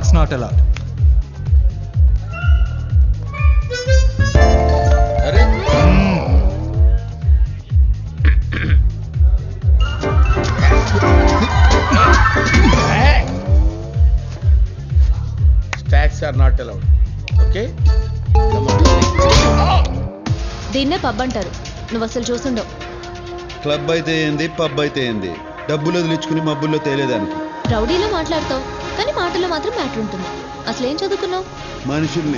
Sex not allowed. Stacks are not allowed. Okay? Come on. దీన్నే pub అంటారు. నువ్వు అసలు చూసుండవు. క్లబ్ అయితే ఏంది, పబ్ అయితే ఏంది, డబ్బులు వదిలించుకుని మబ్బుల్లో తేలేదానికి. రౌడీలో మాట్లాడతావు కానీ మాటల్లో మాత్రం మ్యాటర్ ఉంటుంది. అసలు ఏం చదువుకున్నావు? మనుషుల్ని.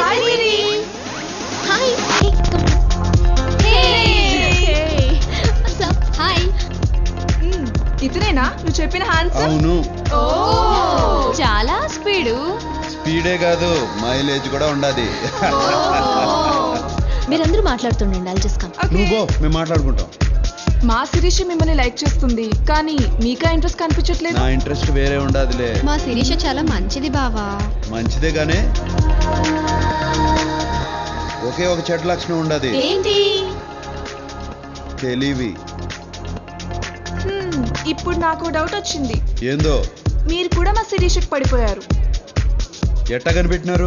ఇతనేనా నువ్వు చెప్పిన హ్యాండ్సమ్? అవును. చాలా స్పీడే కాదు, మైలేజ్ కూడా ఉండాది. మీరందరూ మాట్లాడుతుండండి. I'll just come. నువ్వు మేము మాట్లాడుకుంటాం. మా శిరీష మిమ్మల్ని లైక్ చేస్తుంది కానీ మీకా ఇంట్రెస్ట్ కనిపించట్లేదు. నా ఇంట్రెస్ట్ వేరే ఉండాదిలే. మా శిరీష చాలా మంచిది బావా. మంచిదే గానే ఒకే ఒక చెడ్డ లక్షణం ఉండదు. ఏంటి? తెలివి. ఇప్పుడు నాకు డౌట్ వచ్చింది. ఏందో? మీరు కూడా మా శిరీషకి పడిపోయారు. ఎట్టా కనిపెట్టినారు?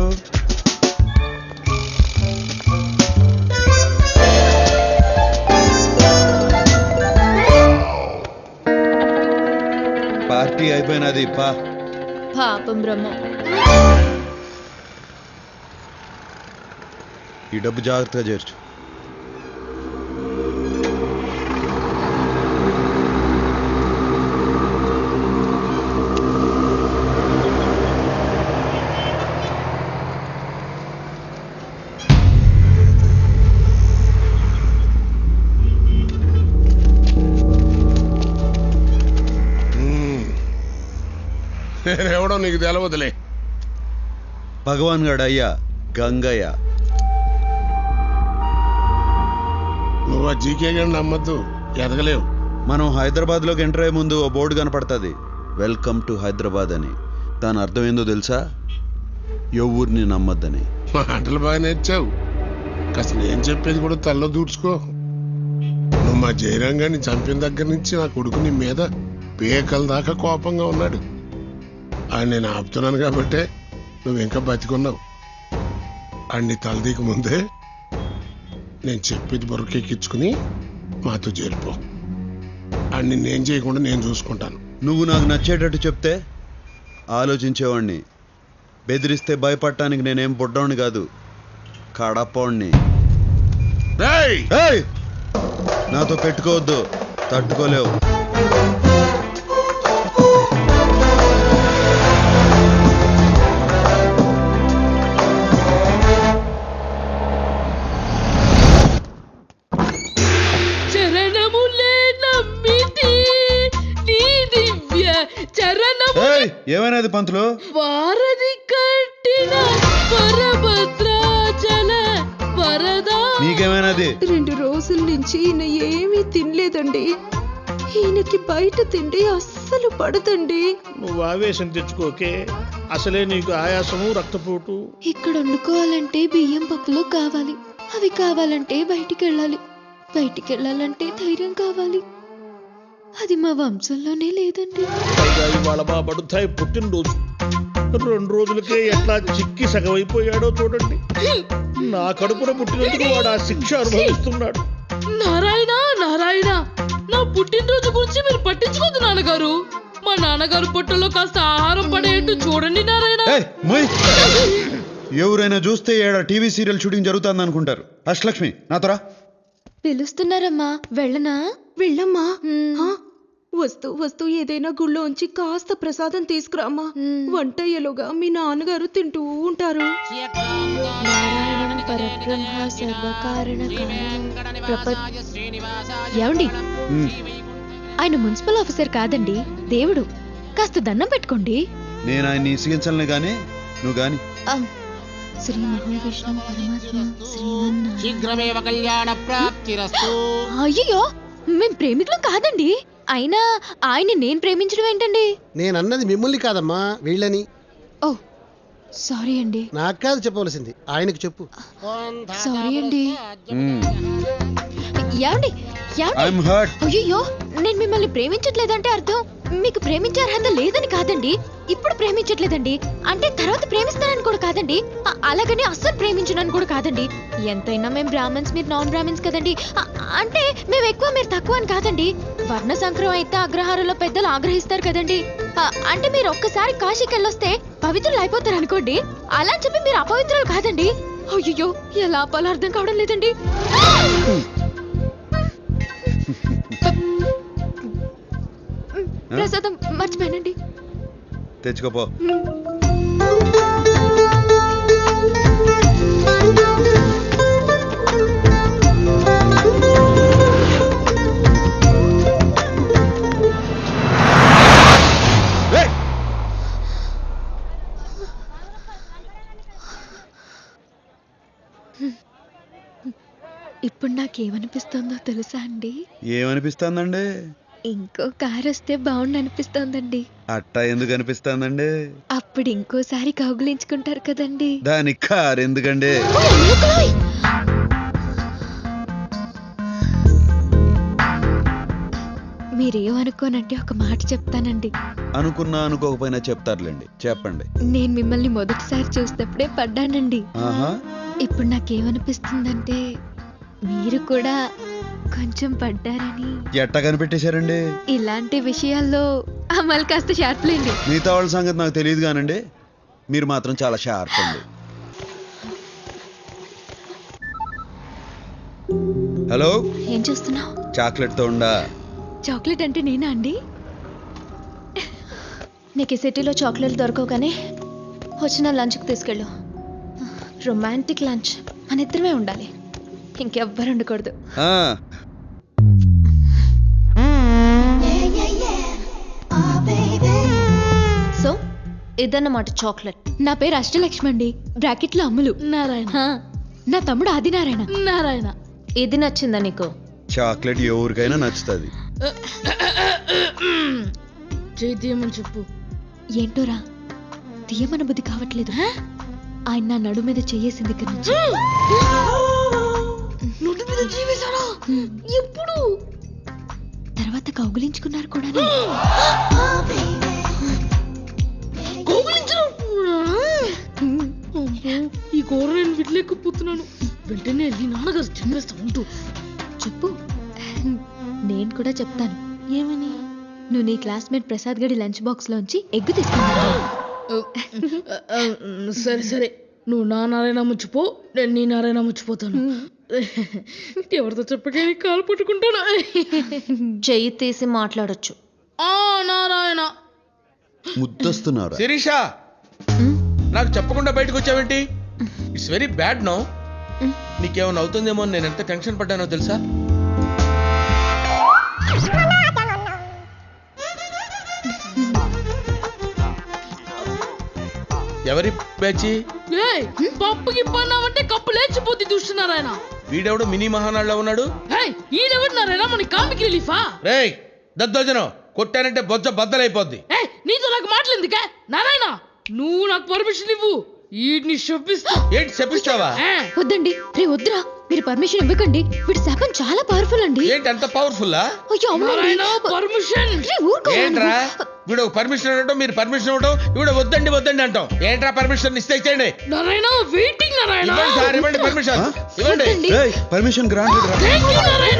పార్టీ అయిపోయినది. పాపం బ్రహ్మ. ఈ డబ్బు జాగ్రత్తగా చేర్చు. నేనెవడో నీకు తెలవదులే. భగవాన్ గడ అయ్యా గంగయ్య. నువ్వు ఆ జీకే గారిని నమ్మద్దు, ఎదగలేవు. మనం హైదరాబాద్లోకి ఎంటర్ అయ్యే ముందు ఓ బోర్డు కనపడుతుంది, వెల్కమ్ టు హైదరాబాద్ అని. దాని అర్థం ఏందో తెలుసా? ఎవరిని నమ్మద్దని. మాటలు బాగా నేర్చావు. కాస్త నేను చెప్పేది కూడా తల్లో దూడ్చుకో. నువ్వు మా జయరాంగాన్ని చంపిన దగ్గర నుంచి నా కొడుకు నీ మీద పేకల దాకా కోపంగా ఉన్నాడు. ఆయన నేను ఆపుతున్నాను కాబట్టే నువ్వు ఇంకా బతికున్నావు. అన్ని తలదీక ముందే నేను చెప్పేది బొరకెక్కించుకుని మాతో చేరిపో. అన్ని నేను చేయకుండా నేను చూసుకుంటాను. నువ్వు నాకు నచ్చేటట్టు చెప్తే ఆలోచించేవాడిని. బెదిరిస్తే భయపడటానికి నేనేం బుడ్డోడిని కాదు, కడపోడిని. నాతో పెట్టుకోవద్దు, తట్టుకోలేవు. ఏమైనది పంతులు? వారధి కట్టిన వరభద్రాచల వరదా. నీకేమైనది? 2 రోజుల నుంచి ఈయన ఏమీ తినలేదండి. ఈయనకి బయట తిండి అస్సలు పడదండి. నువ్వు ఆవేశం తెచ్చుకోకే, అసలే నీకు ఆయాసము రక్తపోటు. ఇక్కడ వండుకోవాలంటే బియ్యం పప్పులు కావాలి, అవి కావాలంటే బయటికి వెళ్ళాలంటే ధైర్యం కావాలి. అది మా వంశంలోనే లేదండి. పైగా ఇవాళ మా బడుతాయి పుట్టినరోజు. 2 రోజులకే ఎట్లా చిక్కి సగమైపోయాడో చూడండి. నా కడుపున పుట్టినందుకు వాడు ఆ శిక్ష అనుభవిస్తున్నాడు. నారాయణ నారాయణ, నా పుట్టినరోజు గురించి మీరు పట్టించుకోదు నాన్నగారు. మా నాన్నగారు పొట్టలో కాస్త ఆహారం పడేట్టు చూడండి నారాయణ. ఎవరైనా చూస్తే ఏడ టీవీ సీరియల్ షూటింగ్ జరుగుతుంది అనుకుంటారు. అష్టలక్ష్మి నాతోరా. పిలుస్తున్నారమ్మా, వెళ్ళనా? వెళ్ళమ్మా. వస్తూ ఏదైనా గుళ్ళోంచి కాస్త ప్రసాదం తీసుకురామ్మా. వంట అయ్యేలోగా మీ నాన్నగారు తింటూ ఉంటారు. ఏమండి, ఆయన మున్సిపల్ ఆఫీసర్ కాదండి, దేవుడు. కాస్త దండం పెట్టుకోండి. నేను ఆయన్ని ఇసిగించలే గాని నువ్వు గాని. శ్రీ మహావిష్ణు పరమాత్మ శీఘ్రమేవ కళ్యాణ ప్రాప్తిరస్తు. అయ్యో, మేం ప్రేమికులం కాదండి. అయినా ఆయన్ని నేను ప్రేమించడం ఏంటండి? నేనన్నది మిమ్మల్ని కాదమ్మా, వీళ్ళని. ఓ సారీ అండి. నాకు కాదు చెప్పవలసింది, ఆయనకు చెప్పు. సారీ అండి. ఏమండి అయ్యో, నేను మిమ్మల్ని ప్రేమించట్లేదంటే అర్థం మీకు ప్రేమించే అర్హత లేదని కాదండి. ఇప్పుడు ప్రేమించట్లేదండి. అంటే తర్వాత ప్రేమిస్తానని కూడా కాదండి. అలాగని అస్సలు ప్రేమించనని కూడా కాదండి. ఎంతైనా మేము బ్రాహ్మణ్స్, మీరు నాన్ బ్రాహ్మణ్స్ కదండి. అంటే మేము ఎక్కువ మీరు తక్కువ అని కాదండి. వర్ణ సంక్రమం అయితే అగ్రహారంలో పెద్దలు ఆగ్రహిస్తారు కదండి. అంటే మీరు ఒక్కసారి కాశీకి వెళ్ళొస్తే పవిత్రులు అయిపోతారు అనుకోండి. అలా అని చెప్పి మీరు అపవిత్రులు కాదండి. అయ్యో ఎలా ఆపాలో అర్థం కావడం లేదండి. ప్రసాదం మర్చిపోయానండి. తెచ్చుకోపో. ఇప్పుడు నాకేమనిపిస్తుందో తెలుసా అండి? ఏమనిపిస్తుందండి? ఇంకో కారు వస్తే బాగుండు అనిపిస్తోందండి. అట్టా ఎందుకు అనిపిస్తుందండి? అప్పుడు ఇంకోసారి కౌగులించుకుంటారు కదండి. దానికి కారు ఎందుకండి? మీరేమనుకోనంటే ఒక మాట చెప్తానండి. అనుకున్నా అనుకోకపోయినా చెప్తారులేండి, చెప్పండి. నేను మిమ్మల్ని మొదటిసారి చూసినప్పుడే పడ్డానండి. ఆహా. ఇప్పుడు నాకేమనిపిస్తుందంటే మీరు కూడా కొంచెం పడ్డారని. ఎట్టా కనిపెట్టేశారండి? ఇలాంటి విషయాల్లో అమలు కాస్త షార్ప్లేండి. మిగతా వాళ్ళ సంగతి నాకు తెలియదు కానండి, మీరు మాత్రం చాలా షార్ప్ అండి. హలో, ఏం చేస్తున్నావు? చాక్లెట్ తో ఉండా? చాక్లెట్ అంటే నేనా అండి? నీకు ఈ సిటీలో చాక్లెట్లు దొరకవు కానీ వచ్చిన లంచ్కి తీసుకెళ్ళు. రొమాంటిక్ లంచ్, మన ఇద్దరమే ఉండాలి, ఇంకెవ్వరు ఉండకూడదు. సో ఇదన్నమాట చాక్లెట్. నా పేరు అష్టలక్ష్మి అండి, బ్రాకెట్లో అమ్ములు. నారాయణ. నా తమ్ముడు ఆదినారాయణ. నారాయణ. ఇది నచ్చిందా నీకు? చాక్లెట్ ఎవరికైనా నచ్చుతుంది. చేయి తీయమని చెప్పు. ఏంటోరా తీయమన బుద్ధి కావట్లేదు. ఆయన నా నడు మీద చెయ్యేసింది ఇక్కడ నుంచి. నోటి మీద జీవేశారా? ఎప్పుడు? తర్వాత కౌగులించుకున్నారు కూడా. ఈ కూర నేను విడలేకపోతున్నాను. వెంటనే వెళ్ళి నాన్నగారు చెప్పేస్తా ఉంటూ. చెప్పు, నేను కూడా చెప్తాను. ఏమని? నువ్వు నీ క్లాస్మేట్ ప్రసాద్ గడి లంచ్ బాక్స్ లోంచి ఎగ్గు తీసుకున్నావు. సరే సరే, నువ్వు నా నారాయణ ముచ్చిపో, నేను నీ నారాయణ ముచ్చిపోతాను. ఎవరితో చెప్పకే కాలు పట్టుకుంటాను. చెయ్యి తీసి మాట్లాడొచ్చు. ఆ నారాయణ. ముద్దొస్తున్నారు. శిరీష, నాకు చెప్పకుండా బయటకు వచ్చావేంటి? It's very bad no. నీకేమైనా అవుతుందేమో అని నేను ఎంత టెన్షన్ పడ్డానో తెలుసా? ఎవరి పేచి? పప్పుకి పన్నావంటే కప్పు లేచిపోద్ది చూస్తున్నారాయన. వీడెవడు మినీ మహానాడులో ఉన్నాడు? ఈడెవడున్నారాయన? మన కామిక్ రిలీఫా? రేయ్ దద్దోజనం, కొట్టానంటే బొజ్జ బద్దలైపోద్ది. నీతో నాకు మాట్లాడిందికా నారాయణ? నువ్వు నాకు పర్మిషన్ ఇవ్వు, వీడిని శపిస్తా. ఏంటి శపిస్తావా? వద్దండి, రే వద్దురా, మీరు పర్మిషన్ ఇవ్వకండి. వీడి శాపం చాలా పవర్ఫుల్ అండి. ఏంటి అంత పవర్ఫుల్లా? అయ్యో నారాయణ పర్మిషన్. ఏంట్రా వీడు పర్మిషన్ ఇవ్వడం, మీరు పర్మిషన్ ఇవ్వడం, వీడు వద్దండి వద్దండి అంటాం. ఏంట్రా పర్మిషన్ ఇస్తే ఇచ్చేయండి. నారాయణ వెయిటింగ్. నారాయణ ఇవ్వండి సార్, ఇవ్వండి పర్మిషన్, ఇవ్వండి. పర్మిషన్ గ్రాంటెడ్ రా. థాంక్యూ నారాయణ.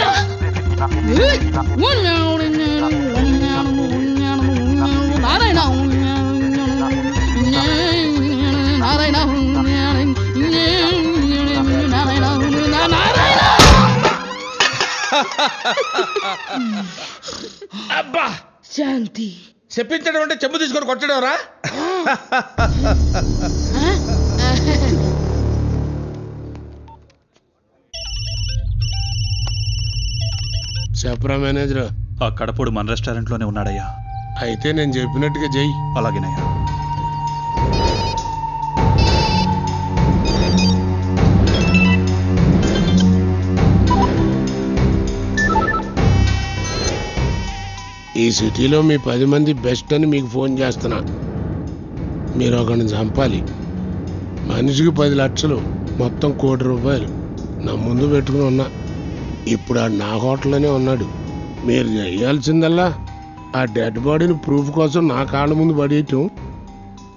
నారాయణ నారాయణ నారాయణ. అబ్బా శాంతి. చెప్పించడం అంటే చెంబు తీసుకొని కొట్టడం రా. చెప్పరా మేనేజర్? ఆ కడపడు మన రెస్టారెంట్లోనే ఉన్నాడయ్యా. అయితే నేను చెప్పినట్టుగా చెయ్యి. అలాగేనయ్యా. ఈ సిటీలో మీ 10 మంది బెస్ట్ అని మీకు ఫోన్ చేస్తున్నా. మీరు ఒకరిని చంపాలి. మనిషికి 10 లక్షలు, మొత్తం ₹1 కోటి నా ముందు పెట్టుకుని ఉన్నా. ఇప్పుడు ఆ నా హోటల్లోనే ఉన్నాడు. మీరు చేయాల్సిందల్లా ఆ డెడ్ బాడీని ప్రూఫ్ కోసం నా కాళ్ళ ముందు పడేయటం,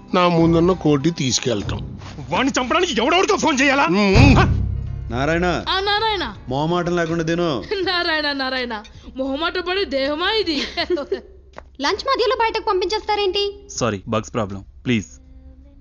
నా ముందున్న కోటి తీసుకెళ్తాం. వాడిని చంపడానికి ఎవడెవరితో ఫోన్ చేయాలా? నారాయణ ఆ నారాయణ మొహమాటం లేకుండా తిను. నారాయణ నారాయణ మొహమాట పడి దేహమా ఇది లంచ్ మధ్యలో బయటకు పంపించేస్తారేంటి? Sorry, bugs problem, please.